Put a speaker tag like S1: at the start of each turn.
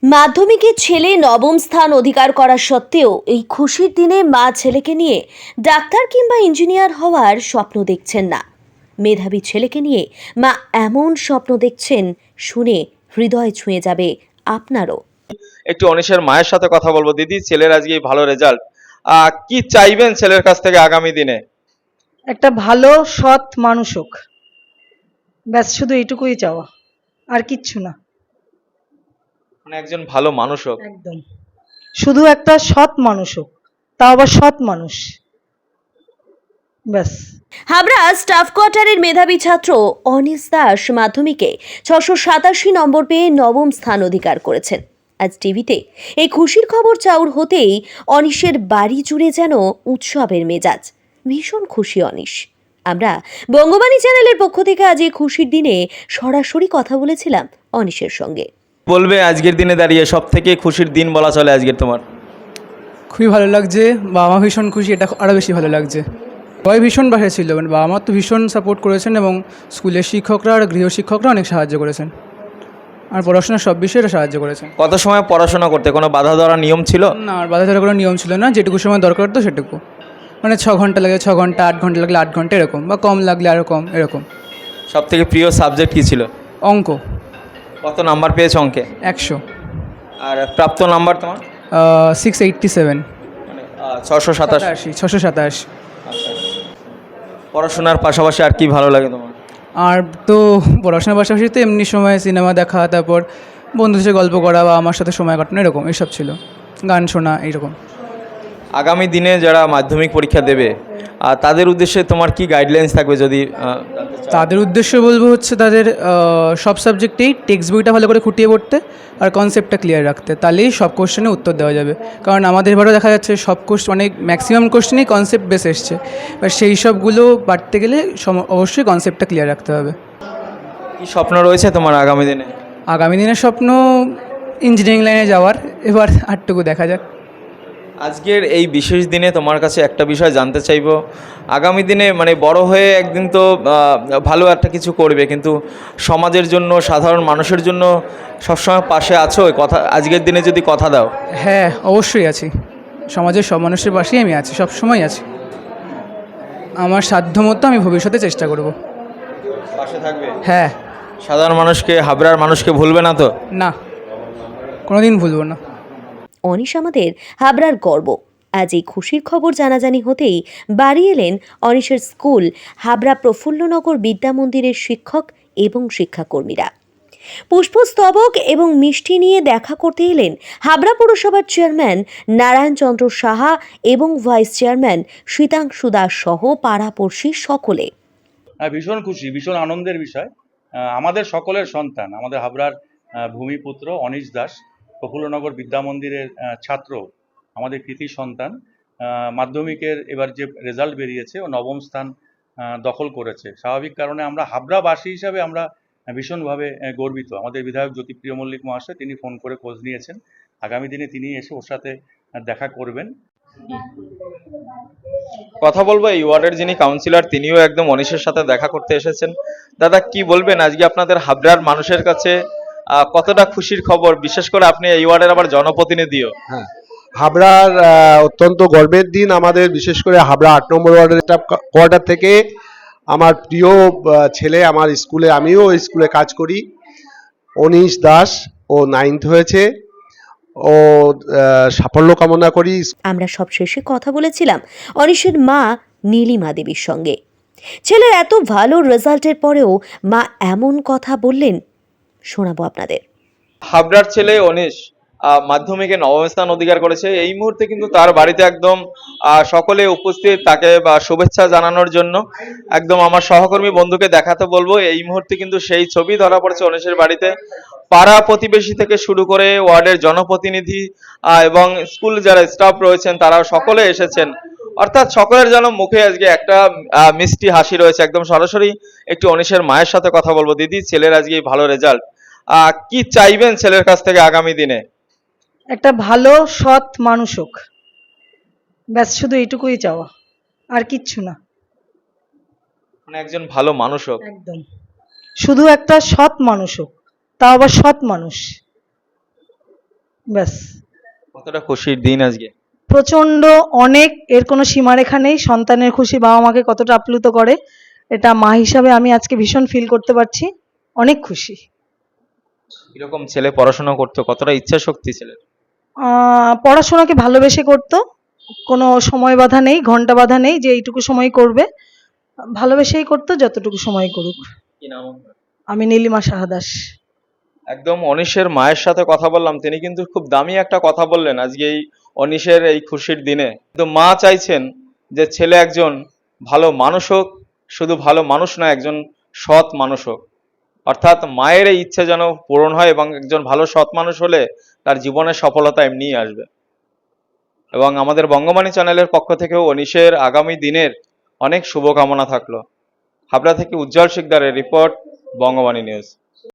S1: মাধ্যমিকে ছেলে নবম স্থান অধিকার করা সত্ত্বেও এই খুশির দিনে মা ছেলেকে নিয়ে ডাক্তার কিংবা ইঞ্জিনিয়ার হওয়ার স্বপ্ন দেখছেন না। মেধাবী ছেলেকে নিয়ে মা এমন স্বপ্ন দেখছেন, শুনে হৃদয় ছুঁয়ে যাবে আপনারও।
S2: একটু অনিশের মায়ের সাথে কথা বলবো। দিদি, ছেলের আজকে এই ভালো রেজাল্ট, কি চাইবেন ছেলের কাছ থেকে আগামী দিনে?
S3: একটা ভালো সৎ মানুষ হোক, ব্যাস শুধু এইটুকুই চাওয়া, আর কিচ্ছু না।
S2: মানে একজন ভালো মানুষ হোক।
S3: একদম, শুধু একটা সৎ মানুষ হোক, তাও আবার সৎ মানুষ, ব্যাস।
S1: হাবড়া স্টাফ কোয়ার্টারের মেধাবী ছাত্র অনিশ দাস মাধ্যমিকে 687 নম্বর পেয়ে নবম স্থান অধিকার করেছেন। আজ টিভিতে এই খুশির খবর চাউর হতেই অনিশের বাড়ি জুড়ে যেন উৎসবের মেজাজ। ভীষণ খুশি অনিশ। আমরা বঙ্গবাণী চ্যানেলের পক্ষ থেকে আজ এই খুশির দিনে সরাসরি কথা বলেছিলাম অনিশের সঙ্গে।
S2: বলবে আজকের দিনে দাঁড়িয়ে সব থেকে খুশির দিন বলা চলে আজকের তোমার?
S4: খুবই ভালো লাগছে, বাবা মা ভীষণ খুশি, এটা আরও বেশি ভালো লাগছে। সবাই ভীষণ পাশে ছিল, মানে বাবা মা তো ভীষণ সাপোর্ট করেছেন এবং স্কুলের শিক্ষকরা আর গৃহশিক্ষকরা অনেক সাহায্য করেছেন, আর পড়াশোনার সব বিষয়ে সাহায্য করেছেন।
S2: কত সময় পড়াশোনা করতে? কোনো বাধা ধরা নিয়ম ছিল?
S4: না, আর বাধা ধরার কোনো নিয়ম ছিল না, যেটুকু সময় দরকার হতো সেটুকু। মানে 6 ঘন্টা লাগে 6 ঘন্টা, 8 ঘন্টা লাগলে 8 ঘন্টা এরকম, বা কম লাগলে আরও কম এরকম।
S2: সব থেকে প্রিয় সাবজেক্ট কি ছিল?
S4: অঙ্ক।
S2: কত নাম্বার পেয়েছো অঙ্কে?
S4: 100।
S2: আর প্রাপ্ত নাম্বার তোমার?
S4: 687।
S2: মানে 687।
S4: 687।
S2: পড়াশোনার পাশাপাশি আর কি ভালো লাগে তোমার?
S4: আর তো পড়াশোনার পাশাপাশি তো এমনি সময় সিনেমা দেখা, তারপর বন্ধুদের সাথে গল্প করা বা আমার সাথে সময় কাটানো, এরকম এইসব ছিল, গান শোনা এইরকম।
S2: আগামী দিনে যারা মাধ্যমিক পরীক্ষা দেবে তাদের উদ্দেশ্যে তোমার কি গাইডলাইন্স থাকবে যদি জানতে চাও?
S4: তাদের উদ্দেশ্য বলবো হচ্ছে তাদের সব সাবজেক্টেই টেক্সট বইটা ভালো করে খুঁটিয়ে পড়তে আর কনসেপ্টটা ক্লিয়ার রাখতে, তাহলেই সব কোশ্চেনে উত্তর দেওয়া যাবে। কারণ আমাদের এবারও দেখা যাচ্ছে সব কোশ্চেন, অনেক ম্যাক্সিমাম কোশ্চেনই কনসেপ্ট বেস এসছে, এবার সেই সবগুলো পারতে গেলে অবশ্যই কনসেপ্টটা ক্লিয়ার রাখতে হবে।
S2: কি স্বপ্ন রয়েছে তোমার আগামী দিনে?
S4: আগামী দিনের স্বপ্ন ইঞ্জিনিয়ারিং লাইনে যাওয়ার, এবার আরটুকু দেখা যাক।
S2: আজকের এই বিশেষ দিনে তোমার কাছে একটা বিষয় জানতে চাইবো। আগামী দিনে মানে বড় হয়ে একদিন তো ভালো একটা কিছু করবে, কিন্তু সমাজের জন্য, সাধারণ মানুষের জন্য সবসময় পাশে আছো, কথা আজকের দিনে যদি কথা দাও?
S4: হ্যাঁ, অবশ্যই আছি, সমাজের সব মানুষের পাশেই আমি আছি, সব সময় আছি। আমার সাধ্যমতো আমি ভবিষ্যতে চেষ্টা করব।
S2: পাশে থাকবে?
S4: হ্যাঁ।
S2: সাধারণ মানুষকে, হাবড়ার মানুষকে ভুলবে না তো?
S4: না, কোনোদিন ভুলবো না।
S1: অনিশ আমাদের হাবড়ার গর্ব। আজ এই খুশির খবর জানাজানি হতেই বাড়ি এলেন অনিশের স্কুল হাবড়া প্রফুল্লনগর বিদ্যা মন্দিরের শিক্ষক এবং শিক্ষাকর্মীরা। পুষ্পস্তবক এবং মিষ্টি নিয়ে দেখা করতে এলেন হাবড়া পৌরসভার চেয়ারম্যান নারায়ণ চন্দ্র সাহা এবং ভাইস চেয়ারম্যান শীতাংশু দাস সহ পাড়াপড়শি সকলে।
S5: ভীষণ খুশি, ভীষণ আনন্দের বিষয়। আমাদের সকলের সন্তান, আমাদের হাবড়ার ভূমিপুত্র অনিশ দাস, প্রফুল্লনগর বিদ্যা মন্দিরের ছাত্র, আমাদের কৃতি সন্তান। মাধ্যমিকের এবার যে রেজাল্ট বেরিয়েছে, ও নবম স্থান দখল করেছে। স্বাভাবিক কারণে আমরা হাবড়াবাসী হিসাবে আমরা ভীষণভাবে গর্বিত। আমাদের বিধায়ক জ্যোতিপ্রিয় মল্লিক মহাশয় তিনি ফোন করে খোঁজ নিয়েছেন, আগামী দিনে তিনি এসে ওর সাথে দেখা করবেন।
S2: কথা বলবো এই ওয়ার্ডের যিনি কাউন্সিলর, তিনিও একদম অনিশের সাথে দেখা করতে এসেছেন। দাদা, কি বলবেন আজকে আপনাদের হাবড়ার মানুষের কাছে কতটা খুশির খবর? বিশেষ করে আপনি এই ওয়ার্ডের আবার জনপ্রতিনিধিও।
S6: হ্যাঁ, হাবড়ার অত্যন্ত গর্বের দিন আমাদের, বিশেষ করে হাবড়া 8 নম্বর ওয়ার্ডের স্টাফ কোয়ার্টার থেকে আমার প্রিয় ছেলে, আমার স্কুলে, আমিও স্কুলে কাজ করি, অনিশ দাস, ও 9th হয়েছে। ও সাফল্য কামনা করি।
S1: আমরা সবশেষে কথা বলেছিলাম অনিশের মা নীলিমা দেবীর সঙ্গে। ছেলের এত ভালো রেজাল্টের পরেও মা এমন কথা বললেন, শোনাবো আপনাদের।
S2: হাবড়ার ছেলে অনিশ মাধ্যমিকে নবম স্থান অধিকার করেছে। এই মুহূর্তে কিন্তু তার বাড়িতে একদম সকলে উপস্থিত, তাকে শুভেচ্ছা জানানোর জন্য। একদম আমার সহকর্মী বন্ধুকে দেখাতে বলবো, এই মুহূর্তে কিন্তু সেই ছবি ধরা পড়েছে অনিশের বাড়িতে। পাড়া প্রতিবেশী থেকে শুরু করে ওয়ার্ডের জনপ্রতিনিধি এবং স্কুল যারা স্টাফ রয়েছেন তারা সকলে এসেছেন। অর্থাৎ সকলের যেন মুখে আজকে একটা মিষ্টি হাসি রয়েছে। একদম সরাসরি একটু অনিশের মায়ের সাথে কথা বলবো। দিদি, ছেলের আজকে ভালো রেজাল্ট, কি চাইবেন ছেলের কাছ থেকে আগামী দিনে?
S3: একটা ভালো সৎ মানুষ হোক, ব্যাস শুধু এইটুকুই চাওয়া, আর কিচ্ছু না।
S2: মানে একজন ভালো মানুষ হোক।
S3: একদম, শুধু একটা সৎ মানুষ হোক, তাও আবার সৎ মানুষ, ব্যাস।
S2: কতটা খুশির দিন আজকে?
S3: প্রচন্ড, অনেক, এর কোনো সীমারেখা নেই। সন্তানের খুশি বাবা মাকে কতটা আপ্লুত করে, এটা মা হিসাবে আমি আজকে ভীষণ ফিল করতে পারছি। অনেক খুশি।
S2: কিরকম ছেলে পড়াশোনা করতো, কতটা ইচ্ছা শক্তি ছেলের?
S3: পড়াশোনাকে ভালোবেসে করতো, কোনো সময় বাধা নেই, ঘন্টা বাধা নেই যে এইটুকু সময় করবে, ভালোবেসেই করতো, যতটুকু সময় করুক।
S2: কি নাম আপনার?
S3: আমি নীলিমা সাহা দাস।
S2: একদম অনিশের মায়ের সাথে কথা বললাম, তিনি কিন্তু খুব দামি একটা কথা বললেন আজকে এই অনিশের এই খুশির দিনে। কিন্তু মা চাইছেন যে ছেলে একজন ভালো মানুষ হোক, শুধু ভালো মানুষ নয়, একজন সৎ মানুষ হোক। অর্থাৎ মায়ের এই ইচ্ছে যেন পূরণ হয় এবং একজন ভালো সৎ মানুষ হলে তার জীবনের সফলতা এমনিই আসবে। এবং আমাদের বঙ্গবাণী চ্যানেলের পক্ষ থেকেও অনিশের আগামী দিনের অনেক শুভকামনা থাকলো। হাবড়া থেকে উজ্জ্বল শিকদারের রিপোর্ট, বঙ্গবাণী নিউজ।